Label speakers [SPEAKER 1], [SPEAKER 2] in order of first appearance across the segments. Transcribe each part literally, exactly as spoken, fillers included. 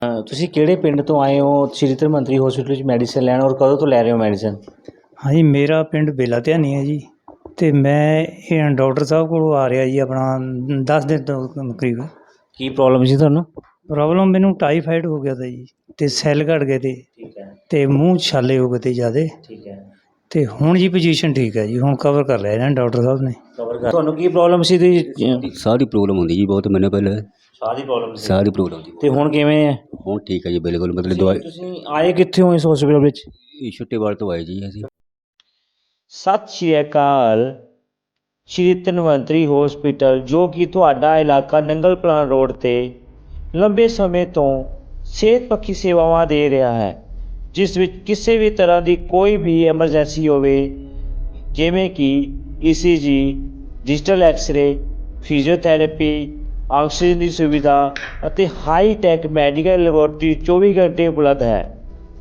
[SPEAKER 1] ਅ, ਤੁਸੀਂ ਕਿਹੜੇ ਪਿੰਡ ਤੋਂ ਆਏ ਹੋ ਸ਼੍ਰੀ ਧਨਵੰਤਰੀ ਹਸਪੀਟਲ 'ਚ ਮੈਡੀਸਨ ਲੈਣ, ਔਰ ਕਦੋਂ ਤੋਂ ਲੈ ਰਹੇ ਹੋ ਮੈਡੀਸਨ?
[SPEAKER 2] ਹਾਂਜੀ, ਮੇਰਾ ਪਿੰਡ ਬੇਲਾ ਧਿਆਨੀ ਹੈ ਜੀ। ਅਤੇ ਮੈਂ ਇਹ ਡਾਕਟਰ ਸਾਹਿਬ ਕੋਲ ਆ ਰਿਹਾ ਜੀ ਆਪਣਾ ਦਸ ਦਿਨ ਤੋਂ ਕਰੀਬ।
[SPEAKER 1] ਕੀ ਪ੍ਰੋਬਲਮ ਸੀ ਤੁਹਾਨੂੰ?
[SPEAKER 2] ਪ੍ਰੋਬਲਮ ਮੈਨੂੰ ਟਾਈਫਾਈਡ ਹੋ ਗਿਆ ਤਾ ਜੀ, ਅਤੇ ਸੈੱਲ ਘਟ ਗਏ ਤੇ
[SPEAKER 1] ਠੀਕ ਹੈ।
[SPEAKER 2] ਅਤੇ ਮੂੰਹ ਛਾਲੇ ਹੋ ਗਏ ਤੇ ਜ਼ਿਆਦਾ।
[SPEAKER 1] ਠੀਕ ਹੈ।
[SPEAKER 2] ਅਤੇ ਹੁਣ ਜੀ ਪੋਜੀਸ਼ਨ ਠੀਕ ਹੈ ਜੀ, ਹੁਣ ਕਵਰ ਕਰ ਲਿਆ ਇਹਨਾਂ ਨੇ ਡਾਕਟਰ ਸਾਹਿਬ ਨੇ।
[SPEAKER 1] ਕਵਰ ਕਰ। ਤੁਹਾਨੂੰ ਕੀ ਪ੍ਰੋਬਲਮ ਸੀ? ਤੁਸੀਂ
[SPEAKER 3] ਸਾਹ ਦੀ ਪ੍ਰੋਬਲਮ ਹੁੰਦੀ ਜੀ ਬਹੁਤ ਮੈਨੂੰ ਪਹਿਲਾਂ।
[SPEAKER 1] ਸਾਹ ਦੀ ਪ੍ਰੋਬਲਮ ਸੀ?
[SPEAKER 3] ਸਾਹ ਦੀ ਪ੍ਰੋਬਲਮ ਸੀ।
[SPEAKER 1] ਤੇ ਹੁਣ ਕਿਵੇਂ ਹੈ?
[SPEAKER 3] ਹੁਣ ਠੀਕ ਹੈ ਜੀ ਬਿਲਕੁਲ। ਮਤਲਬ ਦਵਾਈ
[SPEAKER 1] ਤੁਸੀਂ ਆਏ ਕਿੱਥੇ ਹੋ ਇਸ ਹਸਪੀਟਲ ਵਿੱਚ?
[SPEAKER 3] ਇਹ ਛੁੱਟੇਵਾਲ ਤੋਂ ਆਏ ਜੀ ਅਸੀਂ।
[SPEAKER 1] ਸਤਿ ਸ਼੍ਰੀ ਅਕਾਲ। ਸ਼੍ਰੀ ਧਨਵੰਤਰੀ ਹਸਪੀਟਲ, ਜੋ ਕਿ ਤੁਹਾਡਾ ਇਲਾਕਾ ਨੰਗਲ ਪਲਾਨ ਰੋਡ 'ਤੇ ਲੰਬੇ ਸਮੇਂ ਤੋਂ ਸਿਹਤ ਪੱਖੀ ਸੇਵਾਵਾਂ ਦੇ ਰਿਹਾ ਹੈ, ਜਿਸ ਵਿੱਚ ਕਿਸੇ ਵੀ ਤਰ੍ਹਾਂ ਦੀ ਕੋਈ ਵੀ ਐਮਰਜੈਂਸੀ ਹੋਵੇ, ਜਿਵੇਂ ਕਿ E C G, digital X-ray, physiotherapy, oxygen ਦੀ ਸੁਵਿਧਾ ਅਤੇ ਹਾਈ ਟੈਕ ਮੈਡੀਕਲ ਲੈਬੋਰਟਰੀ ਚੌਵੀ ਘੰਟੇ ਉਪਲਬਧ ਹੈ।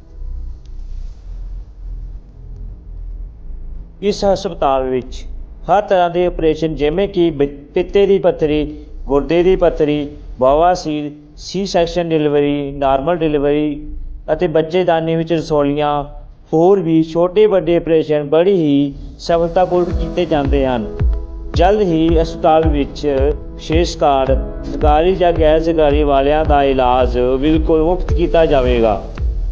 [SPEAKER 1] ਇਸ ਹਸਪਤਾਲ ਵਿੱਚ ਹਰ ਤਰ੍ਹਾਂ ਦੇ ਆਪਰੇਸ਼ਨ, ਜਿਵੇਂ ਕਿ ਪਿੱਤੇ ਦੀ ਪੱਥਰੀ, ਗੁਰਦੇ ਦੀ ਪੱਥਰੀ, ਬਵਾਸੀਰ, C section delivery, normal delivery ਅਤੇ ਬੱਚੇਦਾਨੀ ਵਿੱਚ ਰਸੌਲੀਆਂ, ਹੋਰ ਵੀ ਛੋਟੇ ਵੱਡੇ ਆਪਰੇਸ਼ਨ ਬੜੀ ਹੀ ਸਫਲਤਾਪੂਰਵਕ ਕੀਤੇ ਜਾਂਦੇ ਹਨ। ਜਲਦ ਹੀ ਹਸਪਤਾਲ ਵਿੱਚ ਵਿਸ਼ੇਸ਼ ਕਾਰਡ, ਸਰਕਾਰੀ ਜਾਂ ਗੈਰ ਸਰਕਾਰੀ ਵਾਲਿਆਂ ਦਾ ਇਲਾਜ ਬਿਲਕੁਲ ਮੁਫਤ ਕੀਤਾ ਜਾਵੇਗਾ।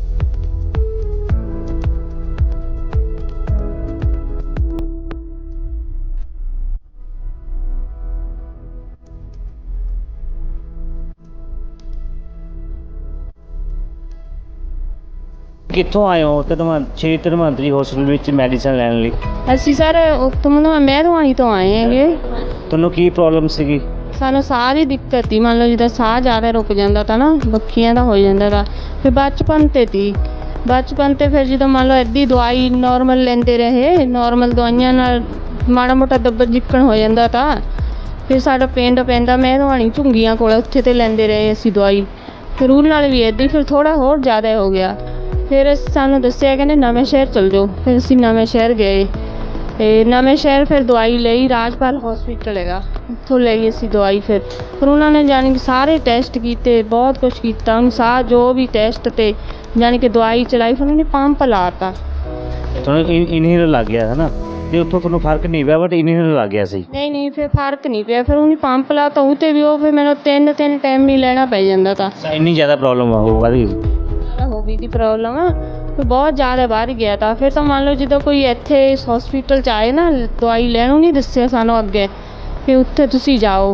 [SPEAKER 1] ਕਿੱਥੋਂ ਆਏ ਹੋ ਧਨਵੰ ਸ਼੍ਰੀ ਧਨਵੰਤਰੀ ਹਸਪੀਟਲ ਵਿੱਚ ਮੈਡੀਸਨ ਲੈਣ ਲਈ?
[SPEAKER 4] ਅਸੀਂ ਸਰ ਉੱਥੋਂ ਮਤਲਬ ਮਹਿਰਵਾਣੀ ਤੋਂ ਆਏ ਹੈਗੇ।
[SPEAKER 1] ਤੁਹਾਨੂੰ ਕੀ ਪ੍ਰੋਬਲਮ ਸੀਗੀ?
[SPEAKER 4] ਸਾਨੂੰ ਸਾਹ ਦੀ ਦਿੱਕਤ ਸੀ, ਮੰਨ ਲਓ ਜਿੱਦਾਂ ਸਾਹ ਜ਼ਿਆਦਾ ਰੁਕ ਜਾਂਦਾ ਤਾ ਨਾ, ਬੱਖੀਆਂ ਦਾ ਹੋ ਜਾਂਦਾ ਤਾ। ਫਿਰ ਬਚਪਨ 'ਤੇ ਤੀ ਬਚਪਨ 'ਤੇ ਫਿਰ ਜਦੋਂ ਮੰਨ ਲਓ ਇੱਦੀ ਦਵਾਈ ਨੋਰਮਲ ਲੈਂਦੇ ਰਹੇ, ਨੋਰਮਲ ਦਵਾਈਆਂ ਨਾਲ ਮਾੜਾ ਮੋਟਾ ਦੱਬਣ ਜਿੱਕਣ ਹੋ ਜਾਂਦਾ ਤਾ। ਫਿਰ ਸਾਡਾ ਪਿੰਡ ਪੈਂਦਾ ਮਹਿਰਵਾਣੀ ਝੁੰਗੀਆਂ ਕੋਲ, ਉੱਥੇ 'ਤੇ ਲੈਂਦੇ ਰਹੇ ਅਸੀਂ ਦਵਾਈ। ਫਿਰ ਉਹਦੇ ਨਾਲ ਵੀ ਇੱਦਾਂ ਹੀ ਫਿਰ ਥੋੜ੍ਹਾ ਹੋਰ ਜ਼ਿਆਦਾ ਹੋ ਗਿਆ। ਫਿਰ ਸਾਨੂੰ ਦੱਸਿਆ ਕਹਿੰਦੇ ਨਵੇਂ ਸ਼ਹਿਰ ਚਲ ਜਾਓ। ਫਿਰ ਅਸੀਂ ਨਵੇਂ ਸ਼ਹਿਰ ਗਏ ਅਤੇ ਨਵੇਂ ਸ਼ਹਿਰ ਫਿਰ ਦਵਾਈ ਲਈ, ਰਾਜਪਾਲ ਹੌਸਪੀਟਲ ਹੈਗਾ, ਉੱਥੋਂ ਲਈ ਅਸੀਂ ਦਵਾਈ। ਫਿਰ ਫਿਰ ਉਹਨਾਂ ਨੇ ਜਾਣੀ ਕਿ ਸਾਰੇ ਟੈਸਟ ਕੀਤੇ, ਬਹੁਤ ਕੁਛ ਕੀਤਾ, ਉਹਨੂੰ ਸਾਹ ਜੋ ਵੀ ਟੈਸਟ 'ਤੇ ਜਾਣੀ ਕਿ ਦਵਾਈ ਚਲਾਈ। ਫਿਰ ਉਹਨਾਂ ਨੇ ਪੰਪ ਲਾ ਤਾ।
[SPEAKER 1] ਤੁਹਾਨੂੰ ਇਨਹੇਲਰ ਲੱਗ ਗਿਆ ਹੈ ਨਾ, ਅਤੇ ਉੱਥੋਂ ਤੁਹਾਨੂੰ ਫਰਕ ਨਹੀਂ ਪਿਆ, ਬਟ ਇਨਹੇਲਰ ਲੱਗ ਗਿਆ ਸੀ?
[SPEAKER 4] ਨਹੀਂ ਨਹੀਂ, ਫਿਰ ਫਰਕ ਨਹੀਂ ਪਿਆ। ਫਿਰ ਉਹਨੇ ਪੰਪ ਲਾ ਤਾ, ਉਹ 'ਤੇ ਵੀ ਉਹ ਫਿਰ ਮੈਨੂੰ ਤਿੰਨ ਤਿੰਨ ਟਾਈਮ ਹੀ ਲੈਣਾ ਪੈ ਜਾਂਦਾ ਤਾ।
[SPEAKER 1] ਇੰਨੀ ਜ਼ਿਆਦਾ ਪ੍ਰੋਬਲਮ ਹੋਊਗਾ ਜੀ?
[SPEAKER 4] ਹੋ ਗਈ ਦੀ ਪ੍ਰੋਬਲਮ ਆ, ਫਿਰ ਬਹੁਤ ਜ਼ਿਆਦਾ ਵੱਧ ਗਿਆ ਤਾ। ਫਿਰ ਤਾਂ ਮੰਨ ਲਓ ਜਦੋਂ ਕੋਈ ਇੱਥੇ ਇਸ ਹੌਸਪੀਟਲ 'ਚ ਆਏ ਨਾ, ਦਵਾਈ ਲੈਣ ਨੂੰ ਨਹੀਂ ਦੱਸਿਆ ਸਾਨੂੰ ਅੱਗੇ, ਵੀ ਉੱਥੇ ਤੁਸੀਂ ਜਾਓ,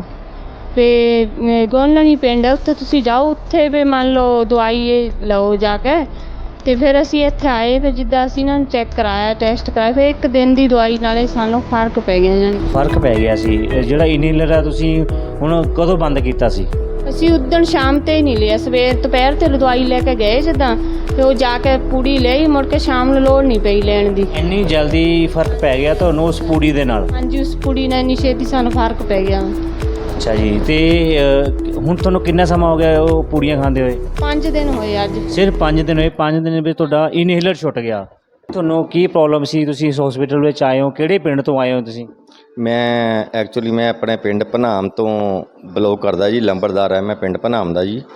[SPEAKER 4] ਵੀ ਗੋਲਣੀ ਪਿੰਡ ਹੈ, ਉੱਥੇ ਤੁਸੀਂ ਜਾਓ, ਉੱਥੇ ਵੀ ਮੰਨ ਲਓ ਦਵਾਈ ਲਓ ਜਾ ਕੇ। ਅਤੇ ਫਿਰ ਅਸੀਂ ਇੱਥੇ ਆਏ, ਫਿਰ ਜਿੱਦਾਂ ਅਸੀਂ ਇਹਨਾਂ ਨੂੰ ਚੈੱਕ ਕਰਾਇਆ, ਟੈਸਟ ਕਰਾਇਆ, ਫਿਰ ਇੱਕ ਦਿਨ ਦੀ ਦਵਾਈ ਨਾਲੇ ਸਾਨੂੰ ਫਰਕ ਪੈ ਗਿਆ। ਜਾਣੀ
[SPEAKER 1] ਫਰਕ ਪੈ ਗਿਆ ਸੀ। ਜਿਹੜਾ ਇਨਹੇਲਰ ਆ ਤੁਸੀਂ ਹੁਣ ਕਦੋਂ ਬੰਦ ਕੀਤਾ ਸੀ?
[SPEAKER 4] ਅਸੀਂ ਉਦਣ ਸ਼ਾਮ 'ਤੇ ਹੀ ਨਹੀਂ ਲਿਆ, ਸਵੇਰ ਦੁਪਹਿਰ 'ਤੇ ਦਵਾਈ ਲੈ ਕੇ ਗਏ ਜਿੱਦਾਂ, ਅਤੇ ਉਹ ਜਾ ਕੇ ਪੂੜੀ ਲਈ, ਮੁੜ ਕੇ ਸ਼ਾਮ ਨੂੰ ਲੋੜ ਨਹੀਂ ਪਈ ਲੈਣ ਦੀ।
[SPEAKER 1] ਇੰਨੀ ਜਲਦੀ ਫਰਕ ਪੈ ਗਿਆ ਤੁਹਾਨੂੰ ਉਸ ਪੂੜੀ ਦੇ ਨਾਲ?
[SPEAKER 4] ਹਾਂਜੀ, ਉਸ ਪੂੜੀ ਨਾਲ ਇੰਨੀ ਛੇਤੀ ਸਾਨੂੰ ਫਰਕ ਪੈ ਗਿਆ।
[SPEAKER 1] ਅੱਛਾ ਜੀ। ਅਤੇ ਹੁਣ ਤੁਹਾਨੂੰ ਕਿੰਨਾ ਸਮਾਂ ਹੋ ਗਿਆ ਉਹ ਪੂੜੀਆਂ ਖਾਂਦੇ ਹੋਏ?
[SPEAKER 4] ਪੰਜ ਦਿਨ ਹੋਏ ਅੱਜ।
[SPEAKER 1] ਸਿਰਫ ਪੰਜ ਦਿਨ ਹੋਏ? ਪੰਜ ਦਿਨ ਵਿੱਚ ਤੁਹਾਡਾ ਇਨਹੇਲਰ ਛੁੱਟ ਗਿਆ। ਤੁਹਾਨੂੰ ਕੀ ਪ੍ਰੋਬਲਮ ਸੀ? ਤੁਸੀਂ ਇਸ ਹਸਪੀਟਲ ਵਿੱਚ ਆਏ ਹੋ, ਕਿਹੜੇ ਪਿੰਡ ਤੋਂ ਆਏ ਹੋ ਤੁਸੀਂ?
[SPEAKER 5] ਮੈਂ ਐਕਚੁਅਲੀ ਮੈਂ ਆਪਣੇ ਪਿੰਡ ਭਨਾਮ ਤੋਂ ਬਿਲੋਂਗ ਕਰਦਾ ਜੀ, ਲੰਬੜਦਾਰ ਹੈ ਮੈਂ ਪਿੰਡ ਭਨਾਮ ਦਾ ਜੀ।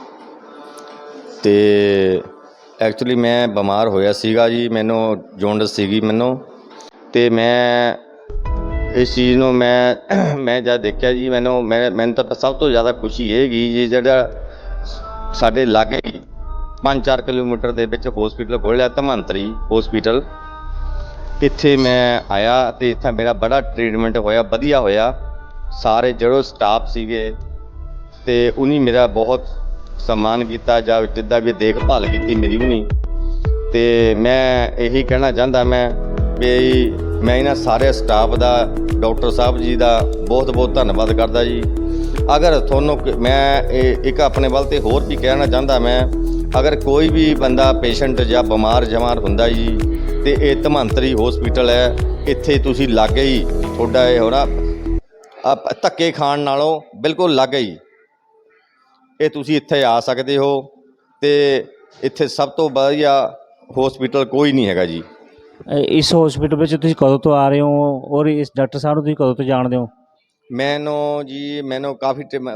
[SPEAKER 5] ਅਤੇ ਐਕਚੁਅਲੀ ਮੈਂ ਬਿਮਾਰ ਹੋਇਆ ਸੀਗਾ ਜੀ, ਮੈਨੂੰ ਜੌਂਡਿਸ ਸੀਗੀ ਮੈਨੂੰ। ਅਤੇ ਮੈਂ ਇਸ ਚੀਜ਼ ਨੂੰ ਮੈਂ ਮੈਂ ਜਦ ਦੇਖਿਆ ਜੀ, ਮੈਨੂੰ ਮੈਂ ਮੈਨੂੰ ਤਾਂ ਸਭ ਤੋਂ ਜ਼ਿਆਦਾ ਖੁਸ਼ੀ ਇਹ ਹੈਗੀ ਜੀ, ਜਿਹੜਾ ਸਾਡੇ ਲਾਗੇ ਪੰਜ ਚਾਰ ਕਿਲੋਮੀਟਰ ਦੇ ਵਿੱਚ ਹੌਸਪੀਟਲ ਖੋਲ੍ਹਿਆ ਧਨਵੰਤਰੀ ਹੌਸਪੀਟਲ। ਇੱਥੇ ਮੈਂ ਆਇਆ ਅਤੇ ਇੱਥੇ ਮੇਰਾ ਬੜਾ ਟਰੀਟਮੈਂਟ ਹੋਇਆ, ਵਧੀਆ ਹੋਇਆ। ਸਾਰੇ ਜਿਹੜੇ ਸਟਾਫ ਸੀਗੇ ਅਤੇ ਉਹਨੇ ਮੇਰਾ ਬਹੁਤ ਸਨਮਾਨ ਕੀਤਾ, ਜਾਂ ਜਿੱਦਾਂ ਵੀ ਦੇਖਭਾਲ ਕੀਤੀ ਮੇਰੀ ਉਹਨੇ। ਅਤੇ ਮੈਂ ਇਹੀ ਕਹਿਣਾ ਚਾਹੁੰਦਾ ਮੈਂ ਵੀ ਮੈਂ ਇਹਨਾਂ ਸਾਰੇ ਸਟਾਫ ਦਾ, ਡਾਕਟਰ ਸਾਹਿਬ ਜੀ ਦਾ ਬਹੁਤ ਬਹੁਤ ਧੰਨਵਾਦ ਕਰਦਾ ਜੀ। ਅਗਰ ਤੁਹਾਨੂੰ ਮੈਂ ਇਹ ਇੱਕ ਆਪਣੇ ਵੱਲ 'ਤੇ ਹੋਰ ਵੀ ਕਹਿਣਾ ਚਾਹੁੰਦਾ ਮੈਂ, ਅਗਰ ਕੋਈ ਵੀ ਬੰਦਾ ਪੇਸ਼ੈਂਟ ਜਾਂ ਬਿਮਾਰ ਜਮਾਰ ਹੁੰਦਾ ਜੀ, ਅਤੇ ਇਹ ਧਨਵੰਤਰੀ ਹੌਸਪੀਟਲ ਹੈ, ਇੱਥੇ ਤੁਸੀਂ ਲਾਗੇ ਹੀ ਤੁਹਾਡਾ ਇਹ ਹੋਣਾ, ਧੱਕੇ ਖਾਣ ਨਾਲੋਂ ਬਿਲਕੁਲ ਲਾਗੇ ਹੀ ਇਹ ਤੁਸੀਂ ਇੱਥੇ ਆ ਸਕਦੇ ਹੋ। ਅਤੇ ਇੱਥੇ ਸਭ ਤੋਂ ਵਧੀਆ ਹੌਸਪੀਟਲ ਕੋਈ ਨਹੀਂ ਹੈਗਾ ਜੀ।
[SPEAKER 1] ਇਸ ਹਸਪੀਟਲ ਵਿੱਚ ਤੁਸੀਂ ਕਦੋਂ ਤੋਂ ਆ ਰਹੇ ਹੋ, ਔਰ ਇਸ ਡਾਕਟਰ ਸਾਹਿਬ ਨੂੰ ਤੁਸੀਂ ਕਦੋਂ ਤੋਂ ਜਾਣਦੇ ਹੋ?
[SPEAKER 5] ਮੈਨੂੰ ਜੀ ਮੈਨੂੰ ਕਾਫੀ ਟਾਈਮ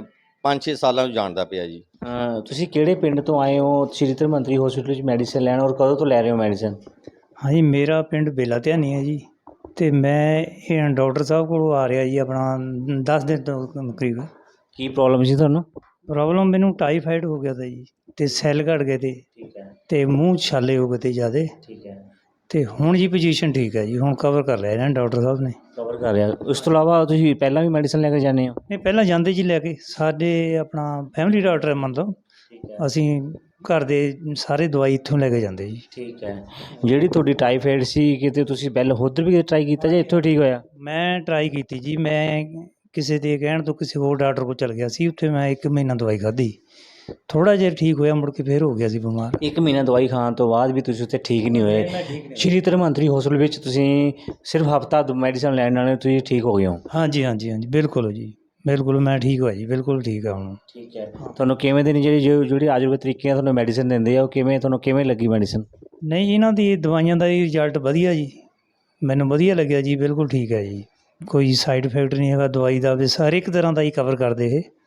[SPEAKER 5] ਪੰਜ ਛੇ ਸਾਲਾਂ ਤੋਂ ਜਾਣਦਾ ਪਿਆ ਜੀ।
[SPEAKER 1] ਅਹ ਤੁਸੀਂ ਕਿਹੜੇ ਪਿੰਡ ਤੋਂ ਆਏ ਹੋ ਸ਼੍ਰੀ ਧਨਵੰਤਰੀ ਹਸਪੀਟਲ ਵਿੱਚ ਮੈਡੀਸਿਨ ਲੈਣ, ਔਰ ਕਦੋਂ ਤੋਂ ਲੈ ਰਹੇ ਹੋ ਮੈਡੀਸਿਨ?
[SPEAKER 2] ਹਾਂਜੀ, ਮੇਰਾ ਪਿੰਡ ਬੇਲਾ ਧਿਆਨੀ ਹੈ ਜੀ, ਅਤੇ ਮੈਂ ਇਹ ਡਾਕਟਰ ਸਾਹਿਬ ਕੋਲ ਆ ਰਿਹਾ ਜੀ ਆਪਣਾ ਦਸ ਦਿਨ ਤੋਂ ਕਰੀਬ।
[SPEAKER 1] ਕੀ ਪ੍ਰੋਬਲਮ ਸੀ ਤੁਹਾਨੂੰ?
[SPEAKER 2] ਪ੍ਰੋਬਲਮ ਮੈਨੂੰ ਟਾਈਫਾਈਡ ਹੋ ਗਿਆ ਤਾ ਜੀ, ਅਤੇ ਸੈੱਲ ਘਟ ਗਏ ਤੇ
[SPEAKER 1] ਠੀਕ ਹੈ,
[SPEAKER 2] ਅਤੇ ਮੂੰਹ ਛਾਲੇ ਹੋ ਗਏ ਤੇ ਜ਼ਿਆਦਾ,
[SPEAKER 1] ਠੀਕ ਹੈ,
[SPEAKER 2] ਅਤੇ ਹੁਣ ਜੀ ਪੋਜੀਸ਼ਨ ਠੀਕ ਹੈ ਜੀ, ਹੁਣ ਕਵਰ ਕਰ ਲਿਆ ਇਹਨਾਂ ਨੇ ਡਾਕਟਰ ਸਾਹਿਬ ਨੇ।
[SPEAKER 1] ਕਵਰ ਕਰ ਰਿਹਾ। ਉਸ ਤੋਂ ਇਲਾਵਾ ਤੁਸੀਂ ਪਹਿਲਾਂ ਵੀ ਮੈਡੀਸਿਨ ਲੈ ਕੇ ਜਾਂਦੇ ਹੋ?
[SPEAKER 2] ਨਹੀਂ, ਪਹਿਲਾਂ ਜਾਂਦੇ ਜੀ ਲੈ ਕੇ, ਸਾਡੇ ਆਪਣਾ ਫੈਮਿਲੀ ਡਾਕਟਰ ਹੈ ਮੰਨ ਲਓ,
[SPEAKER 1] ਠੀਕ ਹੈ,
[SPEAKER 2] ਅਸੀਂ ਘਰ ਦੇ ਸਾਰੇ ਦਵਾਈ ਇੱਥੋਂ ਲੈ ਕੇ ਜਾਂਦੇ ਜੀ।
[SPEAKER 1] ਠੀਕ ਹੈ। ਜਿਹੜੀ ਤੁਹਾਡੀ ਟਾਈਫਾਈਡ ਸੀ, ਕਿਤੇ ਤੁਸੀਂ ਪਹਿਲਾਂ ਉੱਧਰ ਵੀ ਟਰਾਈ ਕੀਤਾ ਜਾਂ ਇੱਥੋਂ ਠੀਕ ਹੋਇਆ?
[SPEAKER 2] ਮੈਂ ਟਰਾਈ ਕੀਤੀ ਜੀ, ਮੈਂ ਕਿਸੇ ਦੇ ਕਹਿਣ ਤੋਂ ਕਿਸੇ ਹੋਰ ਡਾਕਟਰ ਕੋਲ ਚਲ ਗਿਆ ਸੀ, ਉੱਥੇ ਮੈਂ ਇੱਕ ਮਹੀਨਾ ਦਵਾਈ ਖਾਧੀ, ਥੋੜ੍ਹਾ ਜਿਹਾ ਠੀਕ ਹੋਇਆ, ਮੁੜ ਕੇ ਫਿਰ ਹੋ ਗਿਆ ਸੀ ਬਿਮਾਰ।
[SPEAKER 1] ਇੱਕ ਮਹੀਨਾ ਦਵਾਈ ਖਾਣ ਤੋਂ ਬਾਅਦ ਵੀ ਤੁਸੀਂ ਉੱਥੇ ਠੀਕ ਨਹੀਂ ਹੋਏ? ਸ਼੍ਰੀ ਧਨਵੰਤਰੀ ਹਸਪੀਟਲ ਵਿੱਚ ਤੁਸੀਂ ਸਿਰਫ ਹਫ਼ਤਾ ਮੈਡੀਸਨ ਲੈਣ ਨਾਲ ਤੁਸੀਂ ਠੀਕ ਹੋ ਗਏ ਹੋ?
[SPEAKER 2] ਹਾਂਜੀ ਹਾਂਜੀ ਹਾਂਜੀ, ਬਿਲਕੁਲ ਜੀ, ਬਿਲਕੁਲ ਮੈਂ ਠੀਕ ਹੋਇਆ ਜੀ, ਬਿਲਕੁਲ ਠੀਕ ਆ ਹੁਣ।
[SPEAKER 1] ਠੀਕ ਹੈ। ਤੁਹਾਨੂੰ ਕਿਵੇਂ ਦੇ ਨੇ ਜਿਹੜੀ ਜੋ- ਜਿਹੜੀ ਆਯੁਰਵੇਦ ਤਰੀਕੇ ਨਾਲ ਤੁਹਾਨੂੰ ਮੈਡੀਸਨ ਦਿੰਦੇ ਆ, ਉਹ ਕਿਵੇਂ ਤੁਹਾਨੂੰ ਕਿਵੇਂ ਲੱਗੀ ਮੈਡੀਸਨ?
[SPEAKER 2] ਨਹੀਂ, ਇਹਨਾਂ ਦੀ ਦਵਾਈਆਂ ਦਾ ਹੀ ਰਿਜ਼ਲਟ ਵਧੀਆ ਜੀ, ਮੈਨੂੰ ਵਧੀਆ ਲੱਗਿਆ ਜੀ, ਬਿਲਕੁਲ ਠੀਕ ਹੈ ਜੀ, ਕੋਈ ਸਾਈਡ ਇਫੈਕਟ ਨਹੀਂ ਹੈਗਾ ਦਵਾਈ ਦਾ, ਵੀ ਹਰ ਇੱਕ ਤਰ੍ਹਾਂ ਦਾ ਹੀ ਕਵਰ ਕਰਦੇ ਇਹ।